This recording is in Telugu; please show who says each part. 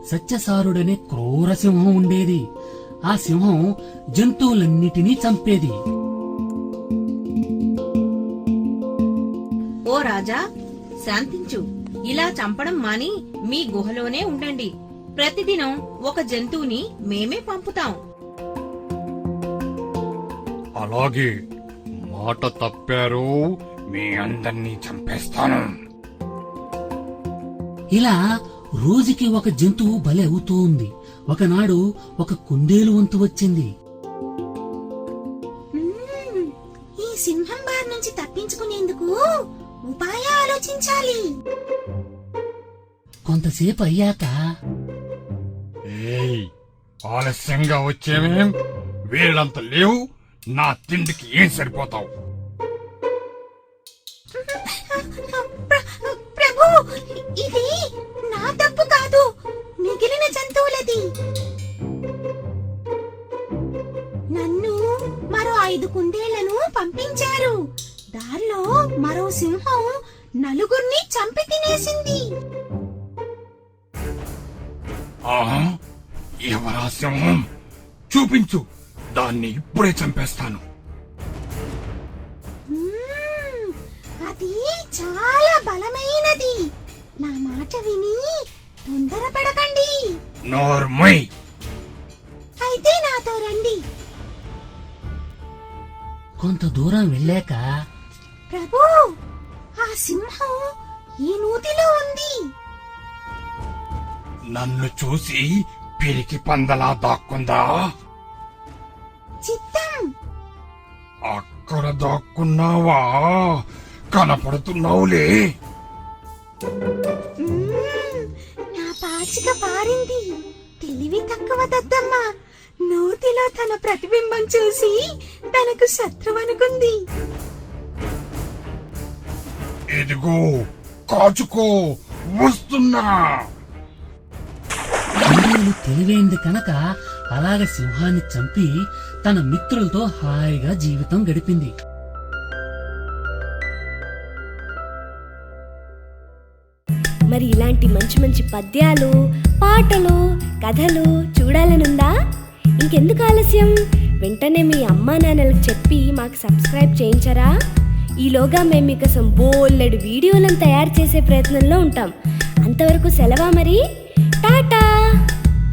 Speaker 1: సత్యసారుడనే క్రూర సింహం ఉండేది. ఆ సింహం జంతువులన్నిటినీ చంపేది.
Speaker 2: ఓ రాజా, శాంతించు. ఇలా చంపడం మాని మీ గుహలోనే ఉండండి. ప్రతిదినం ఒక జంతువుని మేమే పంపుతాం.
Speaker 3: అలాగే, మాట తప్పారు, మీ అందర్నీ చంపేస్తాను.
Speaker 1: ఇలా రోజుకి ఒక జంతువు బలి అవుతూ ఉంది. ఒకనాడు ఒక కుందేలు వంతు వచ్చింది.
Speaker 4: ఈ సింహం బారి నుంచి తప్పించుకునేందుకు ఉపాయ ఆలోచించాలి.
Speaker 1: కొంతసేపు అయ్యాక,
Speaker 3: ఏయ్, ఆలస్యంగా వచ్చేవేం? వీళ్ళంత లేవు, నా తిండికి ఏం సరిపోతావు?
Speaker 4: ప్రభు, ఇది నా తప్పు కాదు, మిగిలిన జంతువులది. నన్ను మరో 5 కుందేళ్లను పంపించారు. దారిలో మరో సింహం నలుగురిని చంపి తినేసింది.
Speaker 3: ఆహా, ఎవరా సింహం? చూపించు, దాన్ని ఇప్పుడే చంపేస్తాను.
Speaker 4: అది చాలా బలమైనది. నా మాట విని తొందరపడకండి.
Speaker 3: నోర్మై.
Speaker 4: అయితే నాతో రండి.
Speaker 1: కొంత దూరం వెళ్ళాక,
Speaker 4: ప్రభు, ఆ సింహం ఈ నూతిలో ఉంది.
Speaker 3: నన్ను చూసి పిరికి పందలా దాక్కుందా?
Speaker 4: చిత్తం.
Speaker 3: అక్కడ దాక్కున్నావా? కనపడుతున్నావులే.
Speaker 4: నా పాచిక పారింది. తెలివి తక్కువ దద్దమ్మ నూతిలో తన ప్రతిబింబం చూసి తనకు శత్రువనుకుంది.
Speaker 3: ఇదిగో, కాచుకో, వస్తున్నా.
Speaker 1: కుందేలు తెలివైంది కనుక అలాగ సింహాన్ని చంపి తన మిత్రులతో హాయిగా జీవితం గడిపింది.
Speaker 5: మరి ఇలాంటి మంచి మంచి పద్యాలు, పాటలు, కథలు చూడాలనుందా? ఇంకెందుకు ఆలస్యం? వెంటనే మీ అమ్మా నాన్నలకు చెప్పి మాకు సబ్స్క్రైబ్ చేయించరా? ఈలోగా మేము మీకోసం బోలెడు వీడియోలను తయారు చేసే ప్రయత్నంలో ఉంటాం. అంతవరకు సెలవా మరి.